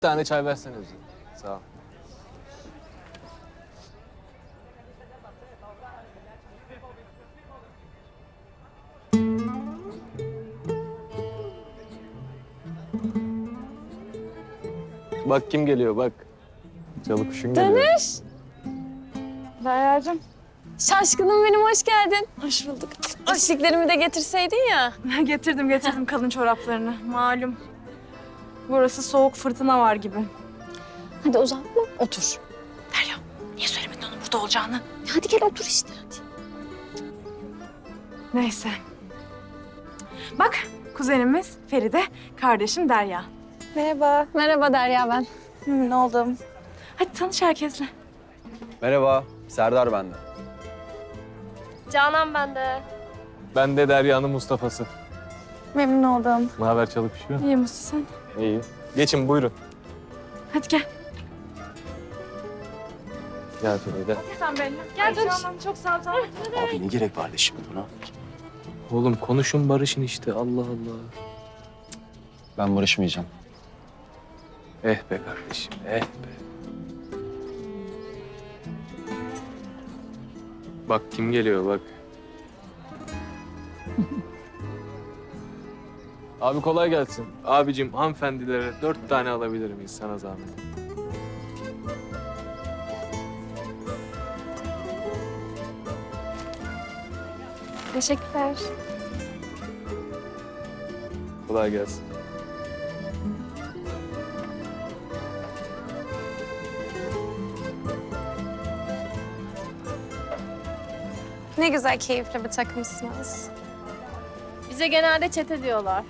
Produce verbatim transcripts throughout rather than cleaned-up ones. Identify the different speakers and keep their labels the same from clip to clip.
Speaker 1: Bir tane çay versene bize. Sağ ol. Bak kim geliyor bak. Çalı kuşun geliyor.
Speaker 2: Dönüş.
Speaker 3: Derya'cığım.
Speaker 2: Şaşkınım benim, hoş geldin.
Speaker 3: Hoş bulduk.
Speaker 2: Aşıklarımı da getirseydin ya.
Speaker 3: getirdim getirdim kalın çoraplarını. Malum. Burası soğuk, fırtına var gibi.
Speaker 2: Hadi uzatma, otur.
Speaker 3: Derya, niye söylemedin onun burada olacağını?
Speaker 2: Hadi gel otur işte hadi.
Speaker 3: Neyse. Bak, kuzenimiz Feride, kardeşim Derya.
Speaker 2: Merhaba. Merhaba Derya ben.
Speaker 3: Memnun oldum. Hadi tanış herkesle.
Speaker 4: Merhaba, Serdar ben de.
Speaker 5: Canan bende.
Speaker 1: Ben de Derya'nın Mustafa'sı.
Speaker 3: Memnun oldum.
Speaker 1: Ne haber çalı kuşu?
Speaker 3: İyi misin sen?
Speaker 1: İyi. Geçin buyurun.
Speaker 3: Hadi gel.
Speaker 1: Gel Feride.
Speaker 3: Sen benimle. Gel
Speaker 5: Ay,
Speaker 3: Canan, çok sağ ol. Canan.
Speaker 4: Abi ne gerek vardı şimdi buna?
Speaker 1: Oğlum konuşun barışın işte Allah Allah.
Speaker 4: Ben barışmayacağım.
Speaker 1: Eh be kardeşim eh be. Bak kim geliyor bak. Abi kolay gelsin. Abicim hanımefendilere dört tane alabilir miyiz sana zahmet?
Speaker 5: Teşekkürler.
Speaker 1: Kolay gelsin.
Speaker 5: Ne güzel, keyifli bir takımsınız. Bize genelde çete diyorlar.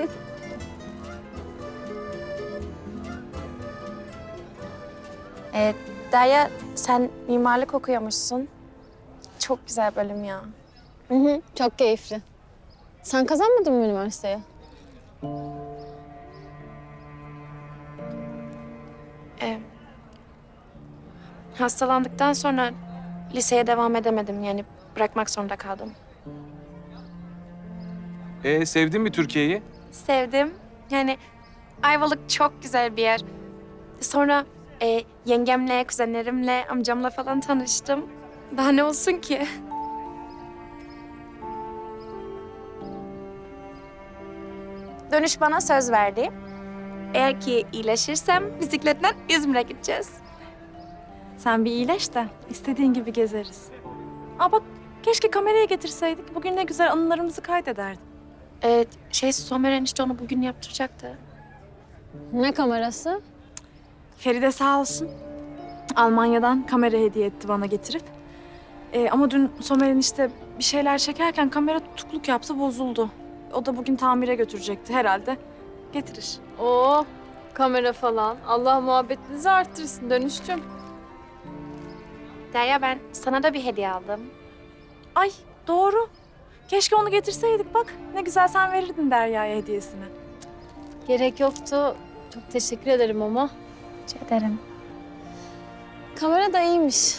Speaker 6: Ee, Derya, sen mimarlık okuyormuşsun. Çok güzel bölüm ya.
Speaker 2: Hı hı, çok keyifli. Sen kazanmadın mı üniversiteye?
Speaker 6: Ee, hastalandıktan sonra liseye devam edemedim. Yani bırakmak zorunda kaldım.
Speaker 1: Ee sevdin mi Türkiye'yi?
Speaker 6: Sevdim. Yani Ayvalık çok güzel bir yer. Sonra e, yengemle, kuzenlerimle, amcamla falan tanıştım. Daha ne olsun ki? Dönüş bana söz verdi. Eğer ki iyileşirsem bisikletle İzmir'e gideceğiz.
Speaker 3: Sen bir iyileş de istediğin gibi gezeriz. Aa bak, keşke kamerayı getirseydik. Bugün ne güzel anılarımızı kaydederdik.
Speaker 6: Ee, şey, Somer enişte onu bugün yaptıracaktı.
Speaker 2: Ne kamerası?
Speaker 3: Feride sağ olsun. Almanya'dan kamera hediye etti bana getirip. Ee, ama dün Somer enişte bir şeyler çekerken kamera tutukluk yaptı, bozuldu. O da bugün tamire götürecekti herhalde. Getirir.
Speaker 5: Oo, kamera falan. Allah muhabbetinizi arttırsın Dönüşçüm.
Speaker 6: Derya, ben sana da bir hediye aldım.
Speaker 3: Ay doğru. Keşke onu getirseydik bak. Ne güzel sen verirdin Derya'ya hediyesini.
Speaker 5: Gerek yoktu. Çok teşekkür ederim ama.
Speaker 6: Rica ederim.
Speaker 2: Kamera da iyiymiş.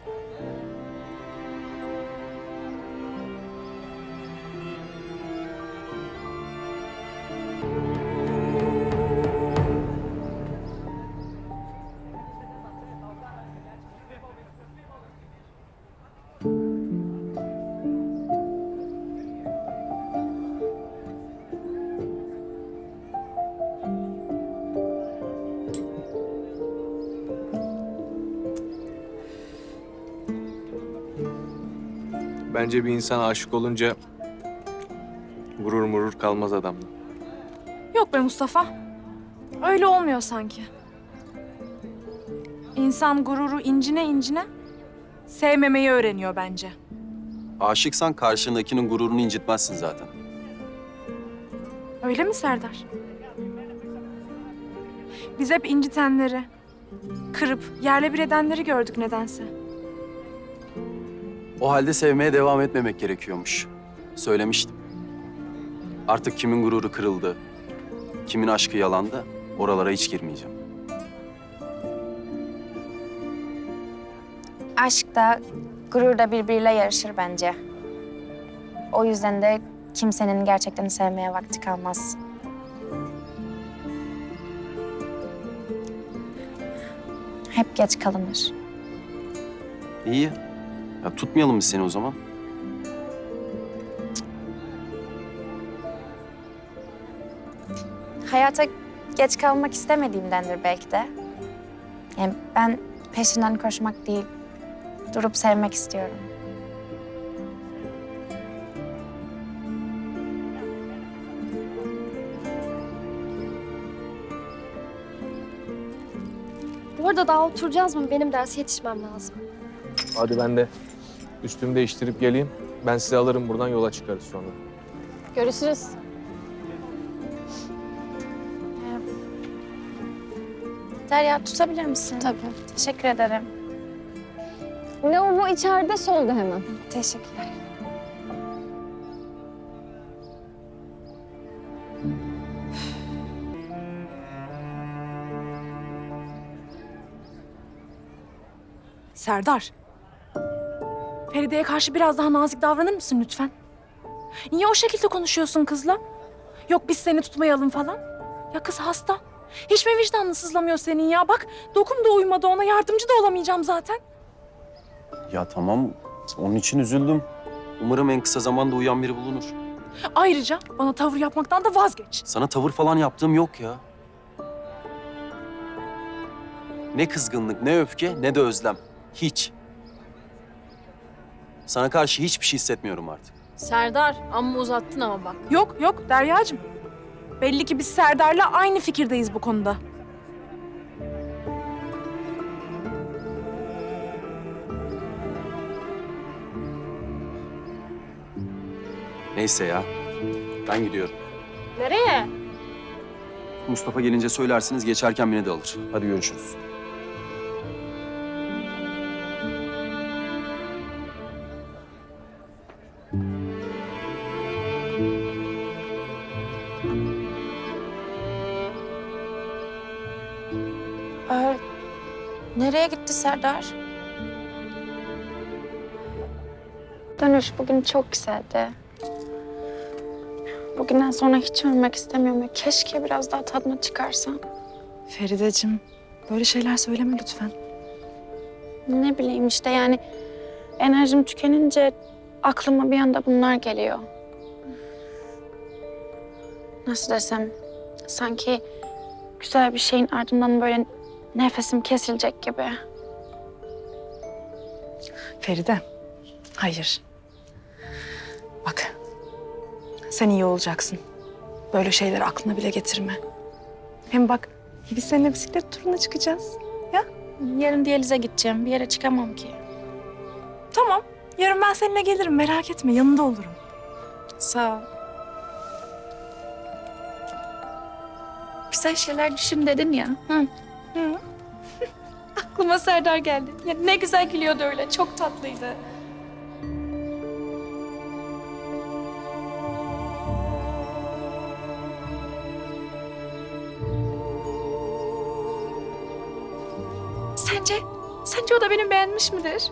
Speaker 1: Bence bir insan aşık olunca gurur murur kalmaz adamda.
Speaker 3: Yok be Mustafa. Öyle olmuyor sanki. İnsan gururu incine incine sevmemeyi öğreniyor bence.
Speaker 4: Aşıksan karşındakinin gururunu incitmezsin zaten.
Speaker 3: Öyle mi Serdar? Biz hep incitenleri, kırıp yerle bir edenleri gördük nedense.
Speaker 4: O halde sevmeye devam etmemek gerekiyormuş. Söylemiştim. Artık kimin gururu kırıldı, kimin aşkı yalandı, oralara hiç girmeyeceğim.
Speaker 6: Aşk da, gurur da birbiriyle yarışır bence. O yüzden de kimsenin gerçekten sevmeye vakti kalmaz. Hep geç kalınır.
Speaker 4: İyi. Ya tutmayalım biz seni o zaman.
Speaker 6: Hayata geç kalmak istemediğimdendir belki de. Yani ben peşinden koşmak değil, durup sevmek istiyorum.
Speaker 5: Bu arada daha oturacağız mı? Benim derse yetişmem lazım.
Speaker 1: Hadi ben de üstümü değiştirip geleyim. Ben sizi alırım buradan, yola çıkarız sonra.
Speaker 2: Görüşürüz.
Speaker 6: Derya tutabilir misin?
Speaker 2: Tabii.
Speaker 6: Teşekkür ederim.
Speaker 2: Lavabo içeride, solda hemen.
Speaker 6: Teşekkürler.
Speaker 3: Serdar. Feride'ye karşı biraz daha nazik davranır mısın lütfen? Niye o şekilde konuşuyorsun kızla? Yok biz seni tutmayalım falan. Ya kız hasta. Hiç mi vicdanın sızlamıyor senin ya? Bak dokum da uymadı ona, yardımcı da olamayacağım zaten.
Speaker 4: Ya tamam, onun için üzüldüm. Umarım en kısa zamanda uyan biri bulunur.
Speaker 3: Ayrıca bana tavır yapmaktan da vazgeç.
Speaker 4: Sana tavır falan yaptığım yok ya. Ne kızgınlık, ne öfke, ne de özlem. Hiç. Sana karşı hiçbir şey hissetmiyorum artık.
Speaker 5: Serdar, amma uzattın ama bak.
Speaker 3: Yok yok Deryacığım. Belli ki biz Serdar'la aynı fikirdeyiz bu konuda.
Speaker 4: Neyse ya, ben gidiyorum.
Speaker 5: Nereye?
Speaker 4: Mustafa gelince söylersiniz, geçerken beni de alır. Hadi görüşürüz.
Speaker 6: Ee, nereye gitti Serdar? Dönüş bugün çok güzeldi. Bugünden sonra hiç ölmek istemiyorum. ve Keşke biraz daha tadını çıkarsam.
Speaker 3: Ferideciğim, böyle şeyler söyleme lütfen.
Speaker 6: Ne bileyim işte yani enerjim tükenince aklıma bir anda bunlar geliyor. Nasıl desem, sanki güzel bir şeyin ardından böyle nefesim kesilecek gibi.
Speaker 3: Feride, hayır. Bak, sen iyi olacaksın. Böyle şeyler aklına bile getirme. Hem bak, biz seninle bisiklet turuna çıkacağız.
Speaker 6: Yarın diyalize gideceğim. Bir yere çıkamam ki.
Speaker 3: Tamam, yarın ben seninle gelirim. Merak etme, yanında olurum.
Speaker 6: Sağ ol. Güzel şeyler düşün dedin ya. Hı.
Speaker 3: Hı.
Speaker 6: Aklıma Serdar geldi. Ya ne güzel gülüyordu öyle. Çok tatlıydı. Sence, sence o da beni beğenmiş midir?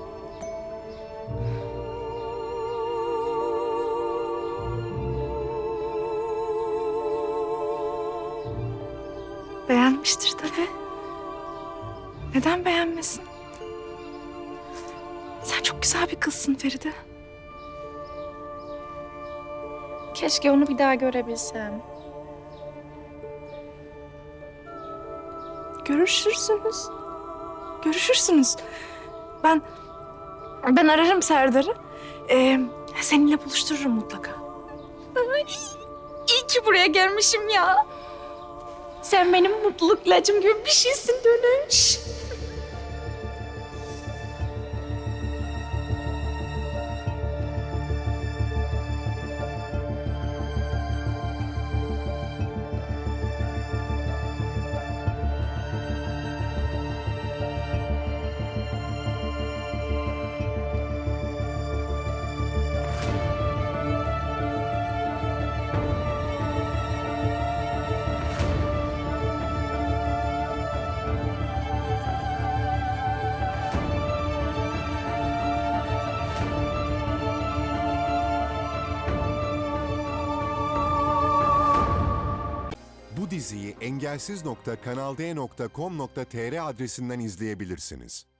Speaker 3: Beğenmiştir tabii. Neden beğenmesin? Sen çok güzel bir kızsın Feride.
Speaker 6: Keşke onu bir daha görebilsem.
Speaker 3: Görüşürsünüz. Görüşürsünüz. Ben ben ararım Serdar'ı. Ee, seninle buluştururum mutlaka.
Speaker 6: İyi ki buraya gelmişim ya. Sen benim mutluluk ilacım gibi bir şeysin Dönüş.
Speaker 7: engelsiz nokta kanalde nokta com nokta tr adresinden izleyebilirsiniz.